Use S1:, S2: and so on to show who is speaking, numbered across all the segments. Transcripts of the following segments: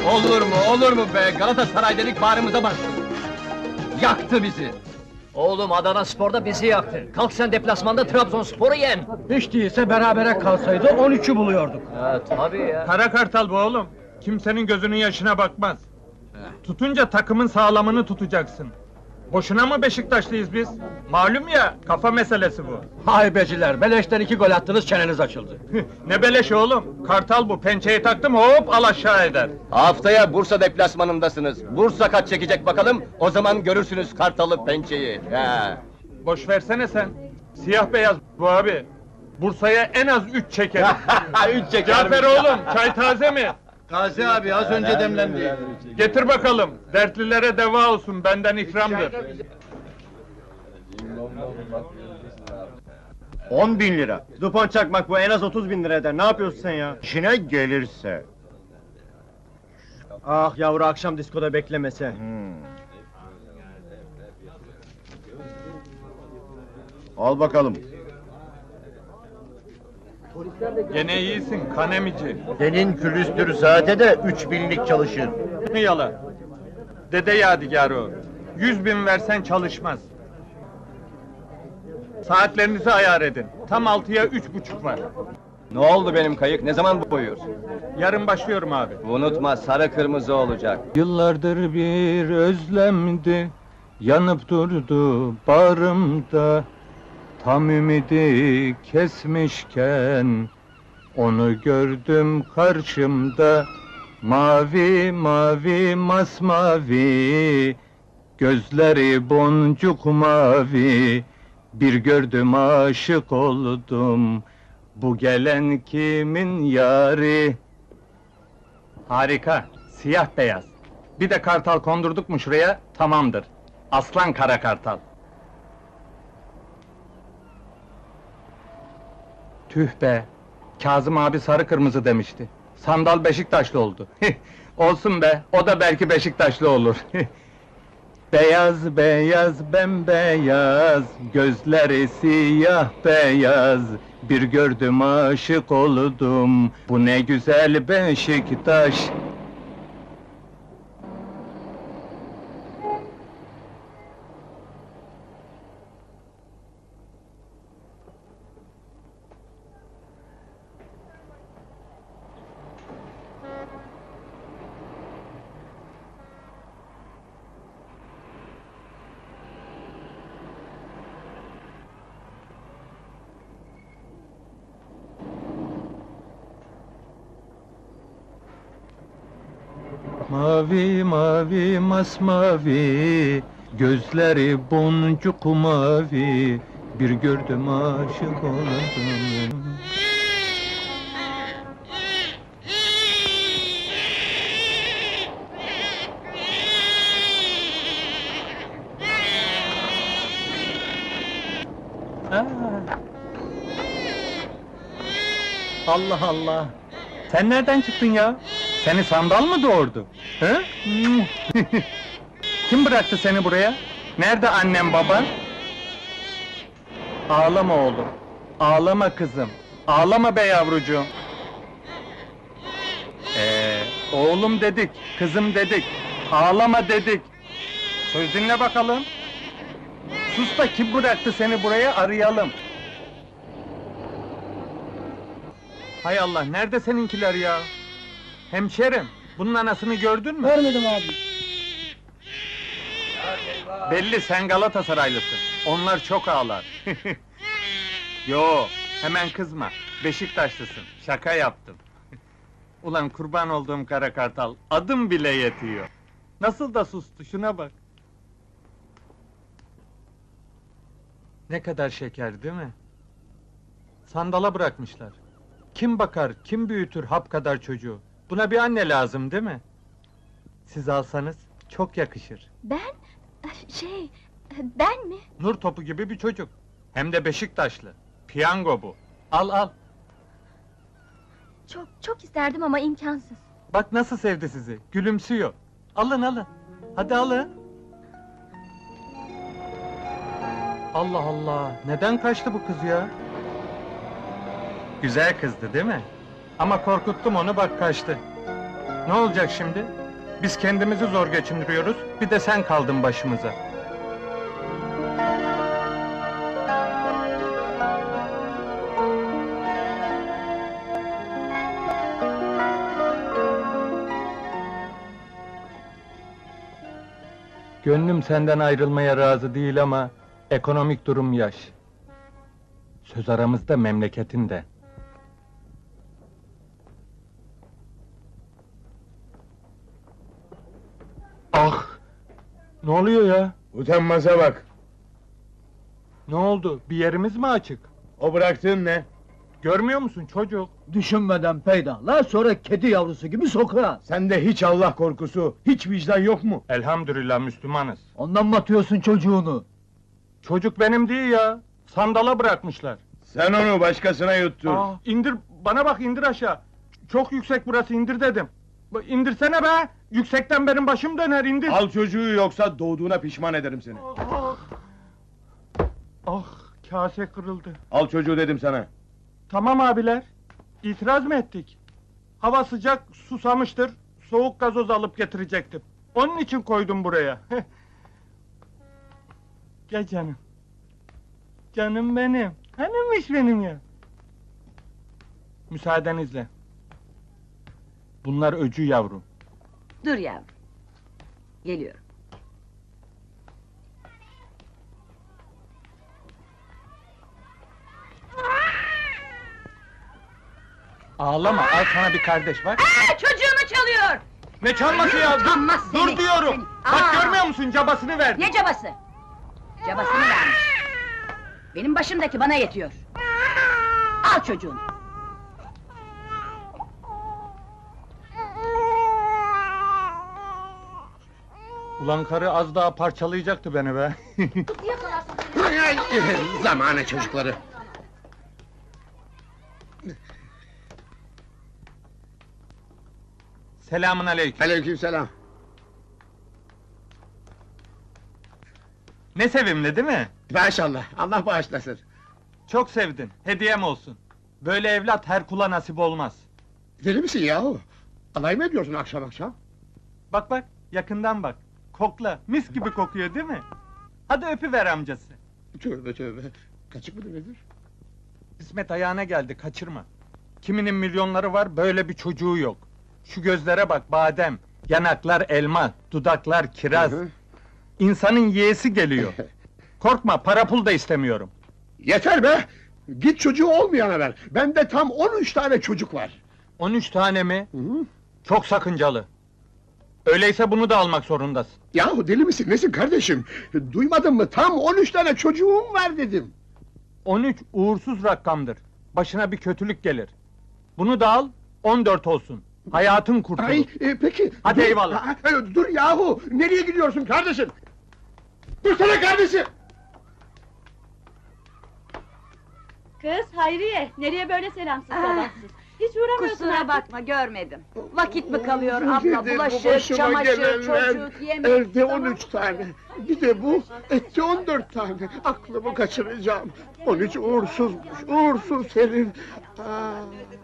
S1: Olur mu be? Galatasaray dedik bağrımıza bastı. Yaktı bizi.
S2: Oğlum Adana Spor'da bizi yaktı. Kalk sen deplasmanda Trabzonspor'u yen.
S3: Hiç değilse berabere kalsaydı 13'ü buluyorduk.
S2: Evet tabii ya.
S4: Kara kartal bu oğlum. Kimsenin gözünün yaşına bakmaz. Tutunca takımın sağlamını tutacaksın. Boşuna mı Beşiktaşlıyız biz? Malum ya, kafa meselesi bu.
S3: Haybeciler, beleşten 2 gol attınız, çeneniz açıldı.
S4: Ne beleş oğlum? Kartal bu, pençeyi taktım hop al aşağı eder.
S1: Haftaya Bursa deplasmanındasınız. Bursa kaç çekecek bakalım, o zaman görürsünüz Kartalı pençeyi. He.
S4: Boş versene sen. Siyah beyaz bu abi. Bursa'ya en az 3 çeker.
S1: 3 çeker.
S4: Cafer oğlum, çay taze mi?
S5: Gazi abi az önce demlendi.
S4: Getir bakalım, dertlilere deva olsun, benden ikramdır.
S5: 10.000 lira. Dupont çakmak bu en az 30.000 lira eder. Ne yapıyorsun sen ya?
S6: İşine gelirse.
S5: Ah yavru akşam diskoda beklemese.
S6: Al bakalım.
S4: Gene iyisin, kanemici.
S6: Senin külüstür zade de 3000'lik çalışır.
S4: Ne yalan? Dede yadigarı o. 100.000 versen çalışmaz. Saatlerinizi ayar edin. Tam 6'ya 3.30 var.
S1: Ne oldu benim kayık, ne zaman boyuyorsun?
S4: Yarın başlıyorum abi.
S1: Unutma, sarı kırmızı olacak.
S4: Yıllardır bir özlemdi, yanıp durdu bağrımda. Tam ümidi kesmişken, onu gördüm karşımda. Mavi mavi masmavi, gözleri boncuk mavi. Bir gördüm aşık oldum, bu gelen kimin yari? Harika, siyah beyaz. Bir de kartal kondurduk mu şuraya, tamamdır. Aslan kara kartal. Tüh be! Kazım abi sarı kırmızı demişti. Sandal Beşiktaşlı oldu. Olsun be, o da belki Beşiktaşlı olur. Beyaz beyaz bembeyaz, gözleri siyah beyaz. Bir gördüm aşık oldum, bu ne güzel Beşiktaş. Mavi mavi masmavi, gözleri boncuk mavi. Bir gördüm aşık oldum. Allah Allah! Sen nereden çıktın ya? Seni sandal mı doğurdu? He? Kim bıraktı seni buraya? Nerede annem baban? Ağlama oğlum, ağlama kızım, ağlama be yavrucuğum. Oğlum dedik, kızım dedik, ağlama dedik. Söz dinle bakalım. Sus da kim bıraktı seni buraya arayalım. Hay Allah, nerede seninkiler ya? Hemşerim, bunun anasını gördün mü?
S3: Görmedim abi.
S4: Belli sen Galatasaraylısın. Onlar çok ağlar. Yo, hemen kızma. Beşiktaşlısın. Şaka yaptım. Ulan kurban olduğum kara kartal, adım bile yetiyor. Nasıl da sustu, şuna bak. Ne kadar şeker değil mi? Sandala bırakmışlar. Kim bakar, kim büyütür hap kadar çocuğu? Buna bir anne lazım değil mi? Siz alsanız çok yakışır.
S7: Ben? Ben mi?
S4: Nur topu gibi bir çocuk. Hem de Beşiktaşlı. Piyango bu. Al al.
S7: Çok isterdim ama imkansız.
S4: Bak nasıl sevdi sizi. Gülümsüyor. Alın alın. Hadi alın. Allah Allah. Neden kaçtı bu kız ya? Güzel kızdı değil mi? Ama korkuttum onu bak kaçtı. Ne olacak şimdi? Biz kendimizi zor geçindiriyoruz, bir de sen kaldın başımıza. Gönlüm senden ayrılmaya razı değil ama ekonomik durum yaş. Söz aramızda memleketin de. Ah! Ne oluyor ya?
S6: Utanmaza bak.
S4: Ne oldu? Bir yerimiz mi açık?
S6: O bıraktığın ne?
S4: Görmüyor musun çocuk?
S2: Düşünmeden peydahla, sonra kedi yavrusu gibi sokağa.
S6: Sende hiç Allah korkusu, hiç vicdan yok mu?
S4: Elhamdülillah Müslümanız.
S2: Ondan mı atıyorsun çocuğunu?
S4: Çocuk benim değil ya. Sandala bırakmışlar.
S6: Sen onu başkasına yuttun.
S4: İndir, bana bak indir aşağı. Çok yüksek burası, indir dedim. İndirsene be! Yüksekten benim başım döner, indir!
S6: Al çocuğu yoksa doğduğuna pişman ederim seni.
S4: Ah, kase kırıldı.
S6: Al çocuğu dedim sana.
S4: Tamam abiler, itiraz mı ettik? Hava sıcak, susamıştır, soğuk gazoz alıp getirecektim. Onun için koydum buraya. Gel canım. Canım benim, hanımmış benim ya. Müsaadenizle. Bunlar öcü yavrum.
S8: Dur yavrum. Geliyorum.
S4: Ağlama, al sana bir kardeş bak.
S8: Çocuğumu çalıyor!
S4: Ne çalması ya?
S8: Utanmaz
S4: Dur
S8: seni,
S4: diyorum!
S8: seni.
S4: Bak
S8: Aa!
S4: görmüyor musun, cabasını verdi.
S8: Ne cabası? Cabasını vermiş. Benim başımdaki bana yetiyor. Al çocuğunu.
S4: Ulan karı az daha parçalayacaktı beni be.
S6: Zamane çocukları.
S4: Selamun aleyküm.
S6: Aleykümselam.
S4: Ne sevimli değil mi?
S6: Maşallah, Allah bağışlasın.
S4: Çok sevdin, hediyem olsun. Böyle evlat her kula nasip olmaz.
S6: Deli misin yahu? Alay mı ediyorsun akşam akşam?
S4: Bak bak, yakından bak. Kokla, mis gibi kokuyor değil mi? Hadi öpüver amcası.
S6: Tövbe tövbe. Kaçık mıdır nedir?
S4: İsmet ayağına geldi, kaçırma. Kiminin milyonları var, böyle bir çocuğu yok. Şu gözlere bak, badem. Yanaklar elma, dudaklar kiraz.
S6: Hı hı.
S4: İnsanın yeğesi geliyor. Korkma, para pul da istemiyorum.
S6: Yeter be! Git çocuğu olmayana ver. Bende tam 13 tane çocuk var.
S4: 13 tane mi?
S6: Hı hı.
S4: Çok sakıncalı. Öyleyse bunu da almak zorundasın.
S6: Yahu deli misin nesin kardeşim? Duymadın mı? Tam 13 tane çocuğum var dedim.
S4: 13 uğursuz rakamdır. Başına bir kötülük gelir. Bunu da al, 14 olsun. Hayatın kurtulur.
S6: Ay peki.
S4: Hadi
S6: dur,
S4: eyvallah.
S6: Dur yahu! Nereye gidiyorsun kardeşim? Dursana kardeşim!
S7: Kız Hayriye, nereye böyle selamsız sabahsız? Hiç uğramıyorsun
S8: Kusura
S7: artık.
S8: bakma, görmedim. Vakit mi kalıyor
S6: Nedir
S8: abla?
S6: bu
S8: Bulaşık,
S6: başıma
S8: çamaşır,
S6: gelenler?
S8: çocuk, yemek...
S6: Evde 13 tane. Bir de bu, etti 14 tane. Aklımı kaçıracağım. 13 uğursuzmuş, uğursuz herif. Aa.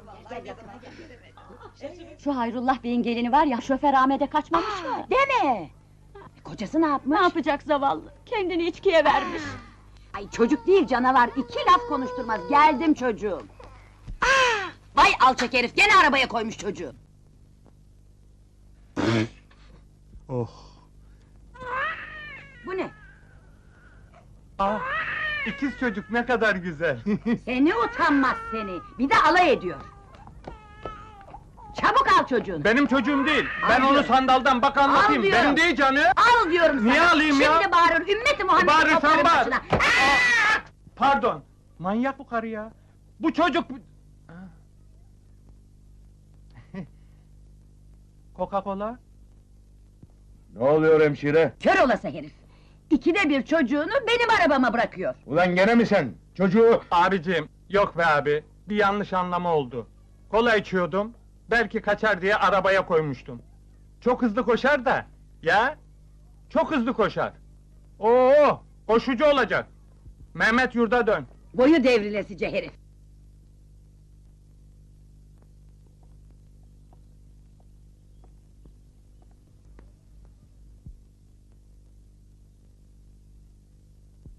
S7: Şu Hayrullah Bey'in gelini var ya, şoför Ahmet'e kaçmamış mı?
S8: Deme! Kocası ne yapmış?
S7: Ne yapacak zavallı? Kendini içkiye vermiş.
S8: Ay çocuk değil canavar, 2 laf konuşturmaz, geldim çocuğum. Vay alçak herif, gene arabaya koymuş çocuğu.
S4: Oh.
S8: Bu ne?
S4: Ah, ikiz çocuk ne kadar güzel.
S8: Seni utanmaz seni, bir de alay ediyor. Çabuk al çocuğunu.
S4: Benim çocuğum değil. Ben
S8: Al
S4: onu
S8: diyorum.
S4: sandaldan bak anlatayım.
S8: Al diyorum.
S4: Benim değil canım.
S8: Al diyorum sana!
S4: Niye alayım ya?
S8: Şimdi bağırır, ümmeti Muhammed'i
S4: Bağırırsan
S8: toplarım
S4: bağır.
S8: başına. Aa!
S4: Pardon. Manyak bu karı ya. Bu çocuk... Coca-Cola?
S6: Ne oluyor hemşire?
S8: Kör olası herif! 2'de 1 çocuğunu benim arabama bırakıyor.
S6: Ulan gene mi sen? Çocuğu...
S4: Abicim, yok be abi. Bir yanlış anlama oldu. Kola içiyordum. Belki kaçar diye arabaya koymuştum. Çok hızlı koşar da. Ya? Çok hızlı koşar. Oo, koşucu olacak. Mehmet yurda dön.
S8: Boyu devrilesice herif!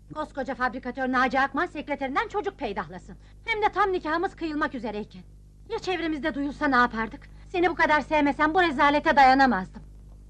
S9: Koskoca fabrikatör Naci Akman sekreterinden çocuk peydahlasın. Hem de tam nikahımız kıyılmak üzereyken. Ya çevremizde duyulsa ne yapardık? Seni bu kadar sevmesem bu rezalete dayanamazdım.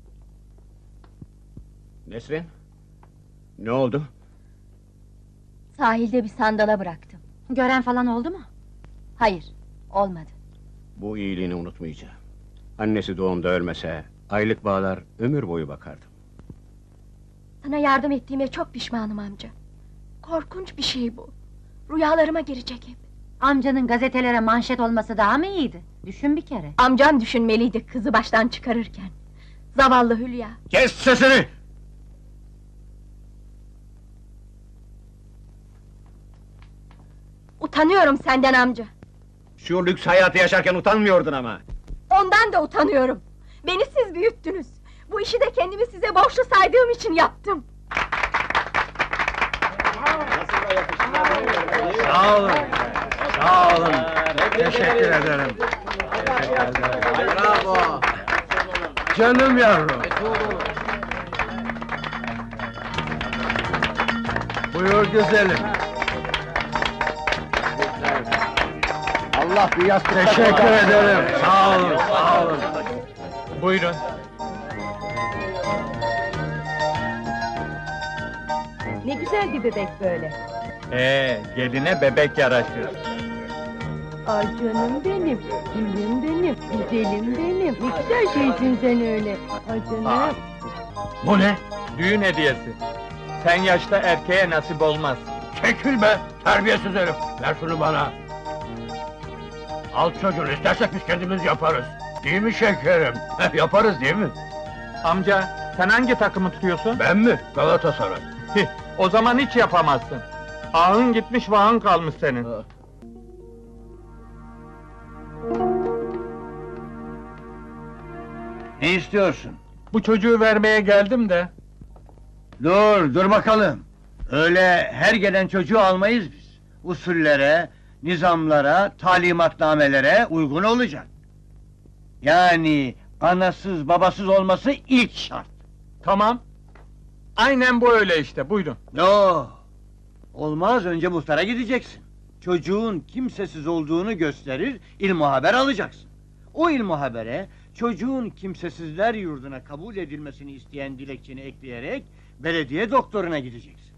S5: Nesrin? Ne oldu?
S9: Sahilde bir sandala bıraktım. Gören falan oldu mu? Hayır, olmadı.
S5: Bu iyiliğini unutmayacağım. Annesi doğumda ölmese, aylık bağlar ömür boyu bakardım.
S9: Sana yardım ettiğime çok pişmanım amca. Korkunç bir şey bu. Rüyalarıma girecek hep. Amcanın gazetelere manşet olması daha mı iyiydi? Düşün bir kere. Amcam düşünmeliydi kızı baştan çıkarırken. Zavallı Hülya.
S5: Kes sesini!
S9: Utanıyorum senden amca.
S5: Şu lüks hayatı yaşarken utanmıyordun ama.
S9: Ondan da utanıyorum. Beni siz büyüttünüz. Bu işi de kendimi size borçlu saydığım için yaptım.
S3: Sağ olun. Sağ olun. Teşekkür ederim.
S5: Bravo!
S3: Canım yavrum. Buyur güzelim.
S1: Allah bir yastık
S3: Teşekkür ederim. Sağ olun, sağ olun.
S4: Buyurun.
S8: Ne güzel bir bebek böyle.
S4: Geline bebek yaraşır.
S8: Ay canım benim, gülüm benim, güzelim benim. Ne güzel şeysin sen öyle. Ay canım.
S3: Bu ne?
S4: Düğün hediyesi. Sen yaşta erkeğe nasip olmaz.
S3: Çekil be! Terbiyesiz herif! Ver şunu bana! Al çocuğunu, istersek biz kendimiz yaparız. Değil mi şekerim? Yaparız değil mi?
S4: Amca, sen hangi takımı tutuyorsun?
S3: Ben mi? Galatasaray.
S4: O zaman hiç yapamazsın. Ahın gitmiş, vahın kalmış senin.
S6: Ne istiyorsun?
S4: Bu çocuğu vermeye geldim de.
S6: Dur bakalım. Öyle her gelen çocuğu almayız biz. Usullere, nizamlara, talimatnamelere uygun olacak. Yani anasız babasız olması ilk şart.
S4: Tamam. Aynen bu öyle işte, buyurun.
S6: No. Olmaz, önce muhtara gideceksin. Çocuğun kimsesiz olduğunu gösterir, ilmuhaber alacaksın. O ilmuhabere çocuğun kimsesizler yurduna kabul edilmesini isteyen dilekçeni ekleyerek belediye doktoruna gideceksin.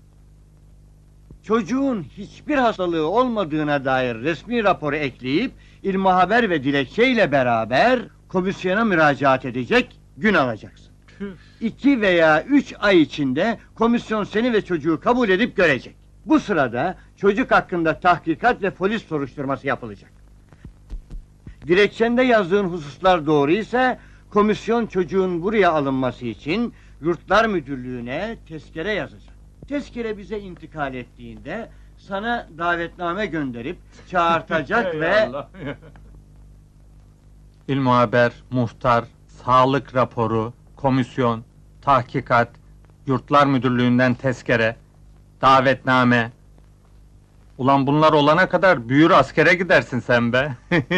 S6: Çocuğun hiçbir hastalığı olmadığına dair resmi raporu ekleyip ilmuhaber ve dilekçeyle beraber komisyona müracaat edecek, gün alacaksın. 2 veya 3 ay içinde komisyon seni ve çocuğu kabul edip görecek. Bu sırada çocuk hakkında tahkikat ve polis soruşturması yapılacak. Dilekçende yazdığın hususlar doğru ise komisyon çocuğun buraya alınması için Yurtlar Müdürlüğü'ne tezkere yazacak. Tezkere bize intikal ettiğinde sana davetname gönderip çağırtacak ve...
S4: İlmuhaber, muhtar, sağlık raporu, komisyon, tahkikat, Yurtlar Müdürlüğü'nden tezkere, davetname. Ulan bunlar olana kadar büyür askere gidersin sen be.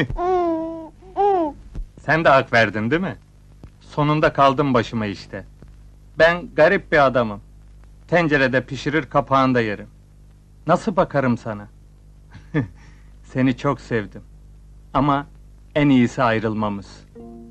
S4: Sen de hak verdin değil mi? Sonunda kaldım başıma işte. Ben garip bir adamım. Tencerede pişirir, kapağında yerim. Nasıl bakarım sana? Seni çok sevdim. Ama en iyisi ayrılmamız.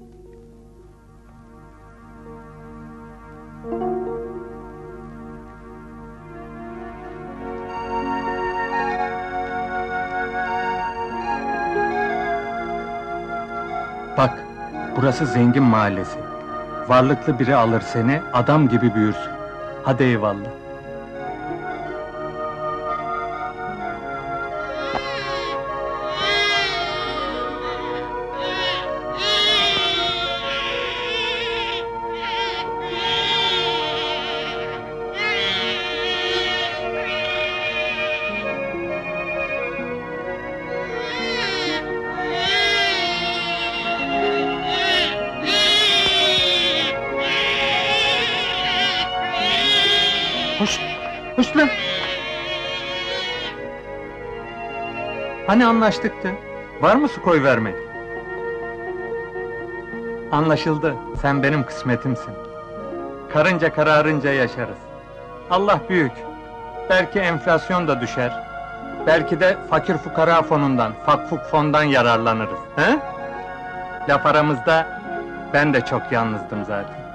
S4: Bak, burası zengin mahallesi. Varlıklı biri alır seni, adam gibi büyürsün. Hadi eyvallah. Hoş, hoş lan! Hani anlaştıktı? Var mı su koy vermek? Anlaşıldı, sen benim kısmetimsin. Karınca kararınca yaşarız. Allah büyük. Belki enflasyon da düşer. Belki de fakir fukara fonundan, fakfuk fondan yararlanırız. He? Laf aramızda, ben de çok yalnızdım zaten.